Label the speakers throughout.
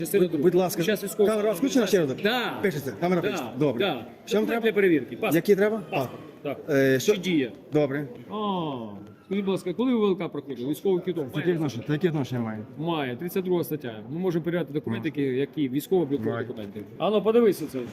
Speaker 1: Будь ласка,
Speaker 2: Зараз військовий.
Speaker 1: камера включена ще раз?
Speaker 2: Да.
Speaker 1: Пишеться, камера пишеться. Добре.
Speaker 2: Да.
Speaker 1: Що вам треба?
Speaker 2: Для перевірки. Паспорт.
Speaker 1: Які треба?
Speaker 2: Паспорт. Так.
Speaker 1: Що?
Speaker 2: Чи діє?
Speaker 1: Добре.
Speaker 2: Скажіть, будь ласка, коли ви ВЛК проходили? Військовий квиток?
Speaker 1: Які відношення має?
Speaker 2: Має. 32 стаття. Ми можемо перевіряти документи, які військово-облікові документи. Ану, подивися це.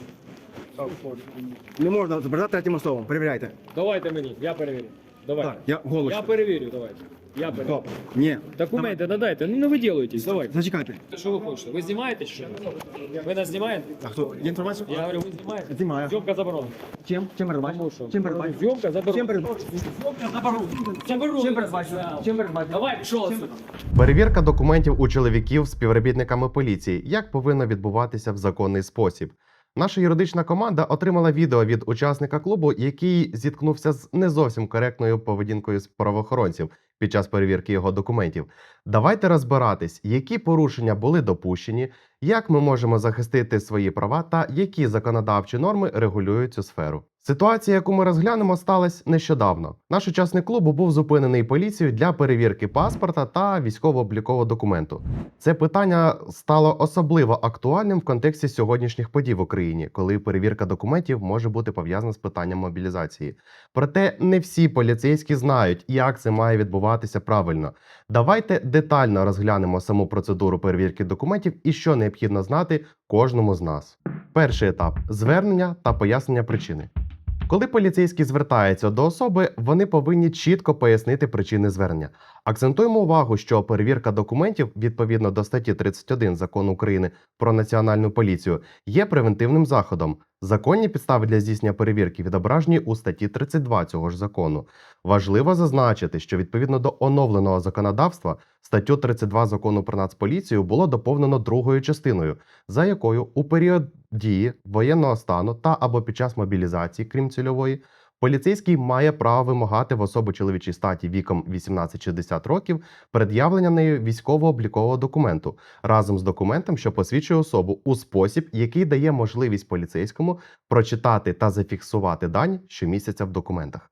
Speaker 1: Не можна забирати третім особам. Перевіряйте.
Speaker 2: Давайте мені, я перевірю. Давайте.
Speaker 1: Так, я голос.
Speaker 2: Я перевірю, давайте. Я перевірю.
Speaker 1: Добре. Ні.
Speaker 2: Документи надайте, ну не виділуйтесь, давайте.
Speaker 1: Зачекайте.
Speaker 2: Що ви хочете? Ви знімаєте чи що? Ви нас знімаєте?
Speaker 1: А хто? Є інформація?
Speaker 2: Я говорю, ви знімаєте?
Speaker 1: Знімаю.
Speaker 2: Зйомка заборонена.
Speaker 1: Чим? Чим передбачено?
Speaker 2: Тому що?
Speaker 1: Чим передбачено?
Speaker 2: Зйомка заборонена.
Speaker 1: Чим передбачено?
Speaker 2: Зйомка заборонена. Заборонена.
Speaker 1: Чим передбачено? Чим передбачено?
Speaker 2: Давай, пішов.
Speaker 3: Перевірка документів у чоловіків співробітниками поліції. Як повинно відбуватися в законний спосіб? Наша юридична команда отримала відео від учасника клубу, який зіткнувся з не зовсім коректною поведінкою з правоохоронців під час перевірки його документів. Давайте розбиратись, які порушення були допущені, як ми можемо захистити свої права та які законодавчі норми регулюють цю сферу. Ситуація, яку ми розглянемо, сталася нещодавно. Наш учасник клубу був зупинений поліцією для перевірки паспорта та військово-облікового документу. Це питання стало особливо актуальним в контексті сьогоднішніх подій в Україні, коли перевірка документів може бути пов'язана з питанням мобілізації. Проте не всі поліцейські знають, як це має відбуватися правильно. Давайте детально розглянемо саму процедуру перевірки документів і що необхідно знати кожному з нас. Перший етап – звернення та пояснення причини. Коли поліцейські звертаються до особи, вони повинні чітко пояснити причини звернення. Акцентуємо увагу, що перевірка документів, відповідно до статті 31 Закону України про Національну поліцію, є превентивним заходом. Законні підстави для здійснення перевірки відображені у статті 32 цього ж закону. Важливо зазначити, що відповідно до оновленого законодавства статтю 32 Закону про Нацполіцію було доповнено другою частиною, за якою у період дії воєнного стану та або під час мобілізації, крім цільової, поліцейський має право вимагати в особи чоловічій статі віком 18-60 років пред'явлення нею військово-облікового документу разом з документом, що посвідчує особу у спосіб, який дає можливість поліцейському прочитати та зафіксувати дані, що містяться в документах.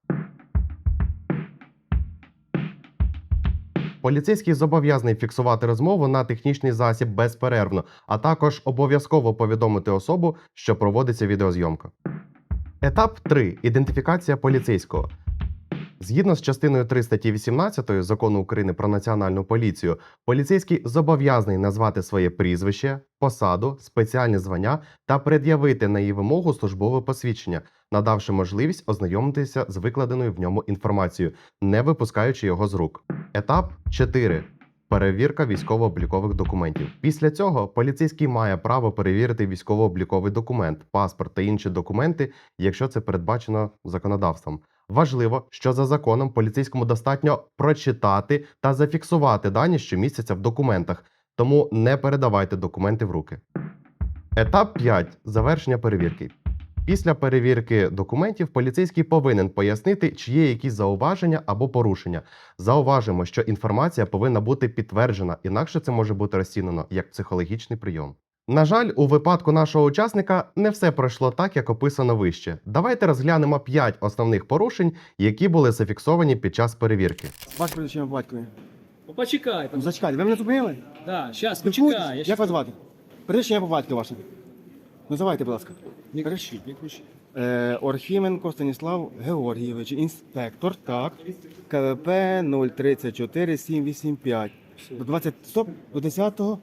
Speaker 3: Поліцейський зобов'язаний фіксувати розмову на технічний засіб безперервно, а також обов'язково повідомити особу, що проводиться відеозйомка. Етап 3. Ідентифікація поліцейського. Згідно з частиною 3 статті 18 Закону України про Національну поліцію, поліцейський зобов'язаний назвати своє прізвище, посаду, спеціальне звання та пред'явити на її вимогу службове посвідчення, надавши можливість ознайомитися з викладеною в ньому інформацією, не випускаючи його з рук. Етап 4. Перевірка військово-облікових документів. Після цього поліцейський має право перевірити військово-обліковий документ, паспорт та інші документи, якщо це передбачено законодавством. Важливо, що за законом поліцейському достатньо прочитати та зафіксувати дані, що містяться в документах, тому не передавайте документи в руки. Етап 5. Завершення перевірки. Після перевірки документів поліцейський повинен пояснити, чи є якісь зауваження або порушення. Зауважимо, що інформація повинна бути підтверджена, інакше це може бути розцінено як психологічний прийом. На жаль, у випадку нашого учасника не все пройшло так, як описано вище. Давайте розглянемо 5 основних порушень, які були зафіксовані під час перевірки.
Speaker 1: Ваше прізвище по батькові.
Speaker 2: Почекай.
Speaker 1: Ну, зачекайте, ви мене зупинили?
Speaker 2: Да, зараз,
Speaker 1: Спілкуєтесь?
Speaker 2: почекай.
Speaker 1: Як вас звати? Прізвище по батькові ваше. Називайте, будь ласка.
Speaker 2: Не кричіть, не кричіть.
Speaker 1: Орхіменко Станіслав Георгійович, інспектор, так. КВП 034 785. До 20, стоп, до 10-го,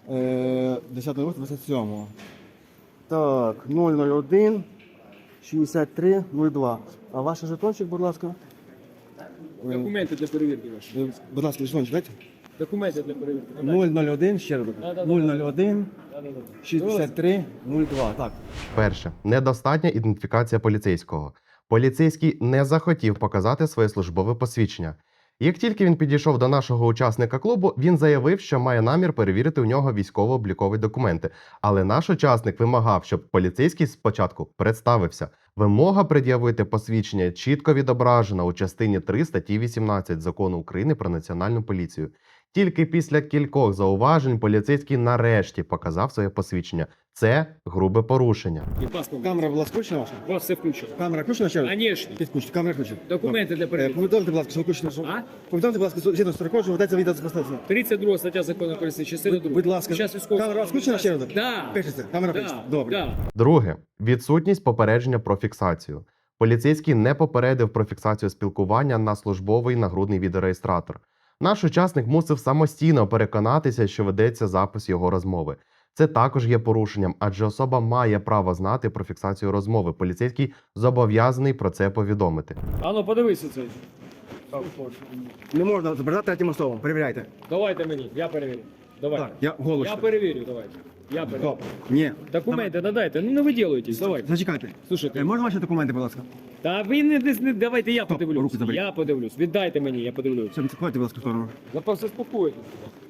Speaker 1: 10.27. Так, 001 63 02. А ваш жетончик, будь ласка?
Speaker 2: Документи для перевірки ваші.
Speaker 1: Будь ласка, жетончик, дайте.
Speaker 2: Документи для перевірки.
Speaker 1: 001, ще раз. 001 63 02. Так.
Speaker 3: Перше. Недостатня ідентифікація поліцейського. Поліцейський не захотів показати своє службове посвідчення. Як тільки він підійшов до нашого учасника клубу, він заявив, що має намір перевірити у нього військово-облікові документи. Але наш учасник вимагав, щоб поліцейський спочатку представився. Вимога пред'явити посвідчення чітко відображена у частині 3 статті 18 Закону України про Національну поліцію. Тільки після кількох зауважень поліцейський нарешті показав своє посвідчення. Це грубе порушення.
Speaker 2: І паспорт.
Speaker 1: Камера була включена ваша?
Speaker 2: У вас все включено.
Speaker 1: Камера включена ще раз?
Speaker 2: Конечно.
Speaker 1: Підключена, камера включена.
Speaker 2: Документи для перевірки.
Speaker 1: Повідомте, будь ласка, що включено. Що...
Speaker 2: А?
Speaker 1: Повідомте, будь ласка, згідно з рекорду, що ведеться відеоспостереження.
Speaker 2: 32 стаття закону України, частина 2.
Speaker 1: Будь ласка,
Speaker 2: Зараз військовий.
Speaker 1: камера у вас включена ще раз?
Speaker 2: Да.
Speaker 1: Пишеться, камера
Speaker 2: Да.
Speaker 1: пишеться. Добре.
Speaker 2: Да.
Speaker 3: Друге. Відсутність попередження про фіксацію. Поліцейський не попередив про фіксацію спілкування на службовий нагрудний відеореєстратор. Наш учасник мусив самостійно переконатися, що ведеться запис його розмови. Це також є порушенням, адже особа має право знати про фіксацію розмови. Поліцейський зобов'язаний про це повідомити.
Speaker 2: Ану, подивися це.
Speaker 1: Не можна забирати третім особам. Перевіряйте.
Speaker 2: Давайте мені, я перевірю. Давайте.
Speaker 1: Так, я голос.
Speaker 2: Я перевірю, давайте. Я перевірю.
Speaker 1: Стоп. Ні.
Speaker 2: Документи надайте, ну не виділуйтесь, давайте.
Speaker 1: Зачекайте.
Speaker 2: Слушайте,
Speaker 1: Можна ваші документи, будь ласка?
Speaker 2: та ви не давайте я подивлюсь.
Speaker 1: руки заберіть.
Speaker 2: Я подивлюсь. Віддайте мені, я подивлюсь.
Speaker 1: Все, відкладайте, будь ласка, в сторону.
Speaker 2: Ви просто спокойтесь.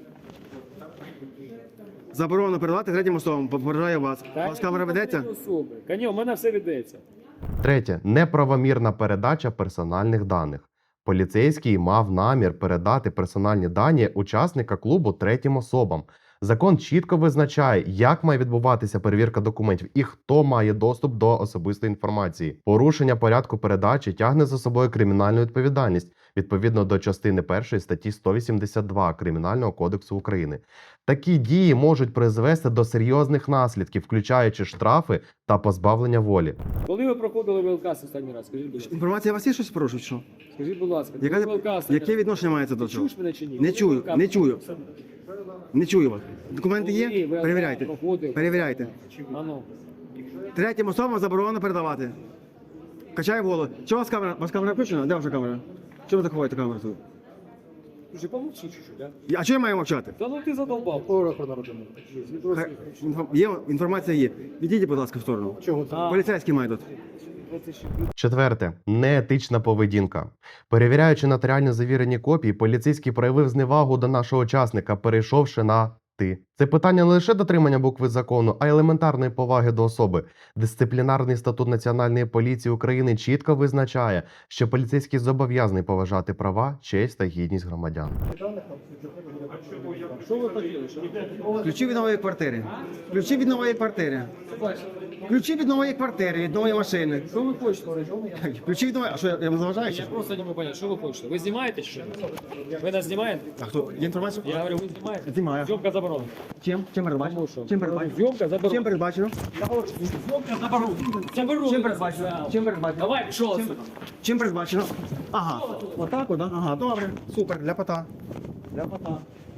Speaker 1: Заборонено передавати третім особам. Попереджаю вас. У вас камера ведеться?
Speaker 2: Каньо, у мене все ведеться.
Speaker 3: Третє. Неправомірна передача персональних даних. Поліцейський мав намір передати персональні дані учасника клубу третім особам. Закон чітко визначає, як має відбуватися перевірка документів і хто має доступ до особистої інформації. Порушення порядку передачі тягне за собою кримінальну відповідальність відповідно до частини 1 статті 182 Кримінального кодексу України. Такі дії можуть призвести до серйозних наслідків, включаючи штрафи та позбавлення волі.
Speaker 2: Коли ви проходили ВЛК останній раз? Скажіть, будь ласка.
Speaker 1: Інформація у вас є щось порушує, що?
Speaker 2: Скажіть, будь ласка, коли
Speaker 1: Яке,
Speaker 2: ВЛК останній
Speaker 1: яке
Speaker 2: раз?
Speaker 1: відношення мається до цього?
Speaker 2: Чуєш мене чи ні?
Speaker 1: Не чую,
Speaker 2: Коли
Speaker 1: не
Speaker 2: ВЛК
Speaker 1: чую. Не чую вас. Документи
Speaker 2: Коли
Speaker 1: є?
Speaker 2: ВЛК
Speaker 1: Перевіряйте.
Speaker 2: проходив?
Speaker 1: Перевіряйте.
Speaker 2: Ану.
Speaker 1: Третім особам заборонено передавати. Качай голову. Чого у вас камера? У вас камера включена? Де ваша камера? Чого ви так ховаєте камеру тут?
Speaker 2: Слушай, помовчи чуть-чуть, да?
Speaker 1: А чого я маю мовчати?
Speaker 2: Та ну ти задолбав.
Speaker 1: Є, інформація є. Відійдіть, будь ласка, в сторону.
Speaker 2: Чого це?
Speaker 1: Поліцейський має тут.
Speaker 3: Четверте. Неетична поведінка. Перевіряючи нотаріально завірені копії, поліцейський проявив зневагу до нашого учасника, перейшовши на «ти». Це питання не лише дотримання букви закону, а й елементарної поваги до особи. Дисциплінарний статут Національної поліції України чітко визначає, що поліцейський зобов'язаний поважати права, честь та гідність громадян.
Speaker 2: Що ви хотіли?
Speaker 1: Ключі від нової квартири. Ключі від нової квартири. Ключі від нової квартири, від нової машини.
Speaker 2: Що ви хочете?
Speaker 1: Ключі від нової... А що, я вам заважаю?
Speaker 2: Я
Speaker 1: Чи?
Speaker 2: просто не можу поняти, що ви хочете? Ви знімаєте чи що? Ви нас знімаєте?
Speaker 1: А хто? Є інформація?
Speaker 2: Я говорю, ви знімаєте?
Speaker 1: Знімаю.
Speaker 2: Зйомка заборонена.
Speaker 1: Чим? Чим передбачено?
Speaker 2: Тому що?
Speaker 1: Чим передбачено?
Speaker 2: Зйомка заборонена.
Speaker 1: Чим передбачено?
Speaker 2: Зйомка заборонена. Заборонена.
Speaker 1: Чим передбачено? Чим передбачено?
Speaker 2: Давай, пішов отсюда.
Speaker 1: Чим передбачено? Ага. Отак, от, ага, добре. Супер, для пота. Для пота.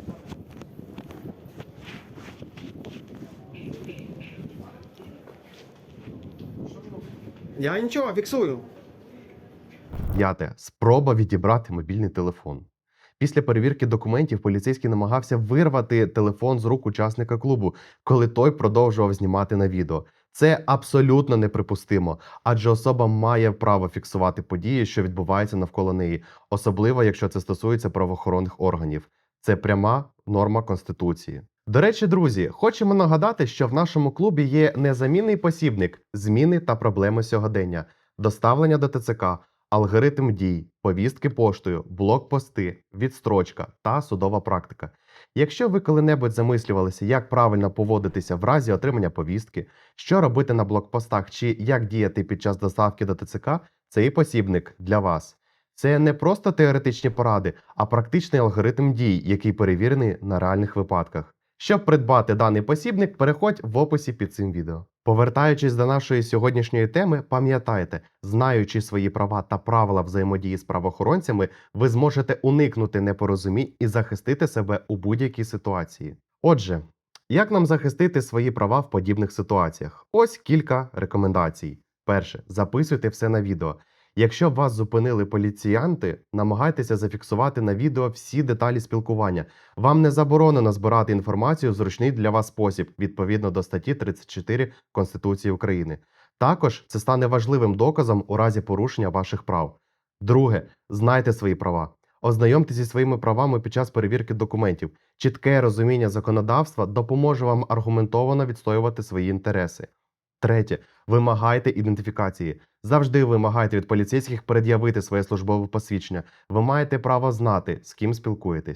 Speaker 1: Я нічого, фіксую.
Speaker 3: П'яте. Спроба відібрати мобільний телефон. Після перевірки документів поліцейський намагався вирвати телефон з рук учасника клубу, коли той продовжував знімати на відео. Це абсолютно неприпустимо, адже особа має право фіксувати події, що відбуваються навколо неї, особливо якщо це стосується правоохоронних органів. Це пряма норма Конституції. До речі, друзі, хочемо нагадати, що в нашому клубі є незамінний посібник «Зміни та проблеми сьогодення», доставлення до ТЦК, алгоритм дій, повістки поштою, блокпости, відстрочка та судова практика. Якщо ви коли-небудь замислювалися, як правильно поводитися в разі отримання повістки, що робити на блокпостах чи як діяти під час доставки до ТЦК, цей посібник для вас. Це не просто теоретичні поради, а практичний алгоритм дій, який перевірений на реальних випадках. Щоб придбати даний посібник, переходь в описі під цим відео. Повертаючись до нашої сьогоднішньої теми, пам'ятайте, знаючи свої права та правила взаємодії з правоохоронцями, ви зможете уникнути непорозумінь і захистити себе у будь-якій ситуації. Отже, як нам захистити свої права в подібних ситуаціях? Ось кілька рекомендацій. Перше. Записуйте все на відео. Якщо вас зупинили поліціянти, намагайтеся зафіксувати на відео всі деталі спілкування. Вам не заборонено збирати інформацію в зручний для вас спосіб, відповідно до статті 34 Конституції України. Також це стане важливим доказом у разі порушення ваших прав. Друге. Знайте свої права. Ознайомтеся зі своїми правами під час перевірки документів. Чітке розуміння законодавства допоможе вам аргументовано відстоювати свої інтереси. Третє. Вимагайте ідентифікації. Завжди вимагайте від поліцейських пред'явити своє службове посвідчення. Ви маєте право знати, з ким спілкуєтесь.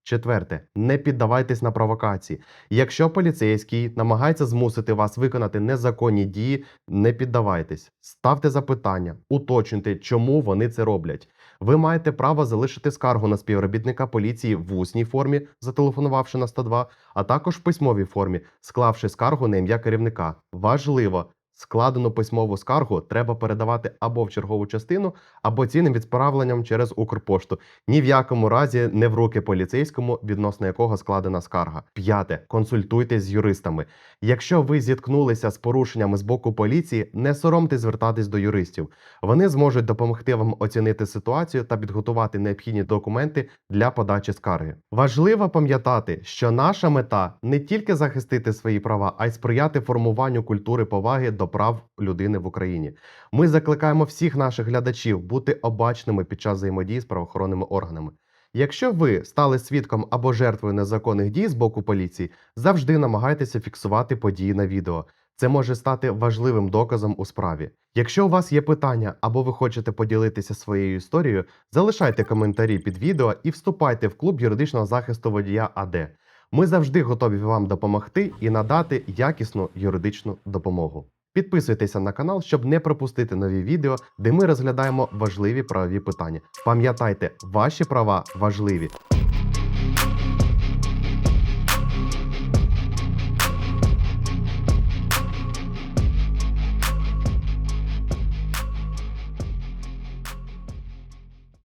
Speaker 3: Четверте, не піддавайтесь на провокації. Якщо поліцейський намагається змусити вас виконати незаконні дії, не піддавайтесь. Ставте запитання, уточнюйте, чому вони це роблять. Ви маєте право залишити скаргу на співробітника поліції в усній формі, зателефонувавши на 102, а також в письмовій формі, склавши скаргу на ім'я керівника. Важливо! Складену письмову скаргу треба передавати або в чергову частину, або цінним відправленням через Укрпошту. Ні в якому разі не в руки поліцейському, відносно якого складена скарга. П'яте. Консультуйтесь з юристами. Якщо ви зіткнулися з порушеннями з боку поліції, не соромтесь звертатись до юристів. Вони зможуть допомогти вам оцінити ситуацію та підготувати необхідні документи для подачі скарги. Важливо пам'ятати, що наша мета не тільки захистити свої права, а й сприяти формуванню культури поваги до прав людини в Україні. Ми закликаємо всіх наших глядачів бути обачними під час взаємодії з правоохоронними органами. Якщо ви стали свідком або жертвою незаконних дій з боку поліції, завжди намагайтеся фіксувати події на відео. Це може стати важливим доказом у справі. Якщо у вас є питання або ви хочете поділитися своєю історією, залишайте коментарі під відео і вступайте в клуб юридичного захисту водія АД. Ми завжди готові вам допомогти і надати якісну юридичну допомогу. Підписуйтеся на канал, щоб не пропустити нові відео, де ми розглядаємо важливі правові питання. Пам'ятайте, ваші права важливі.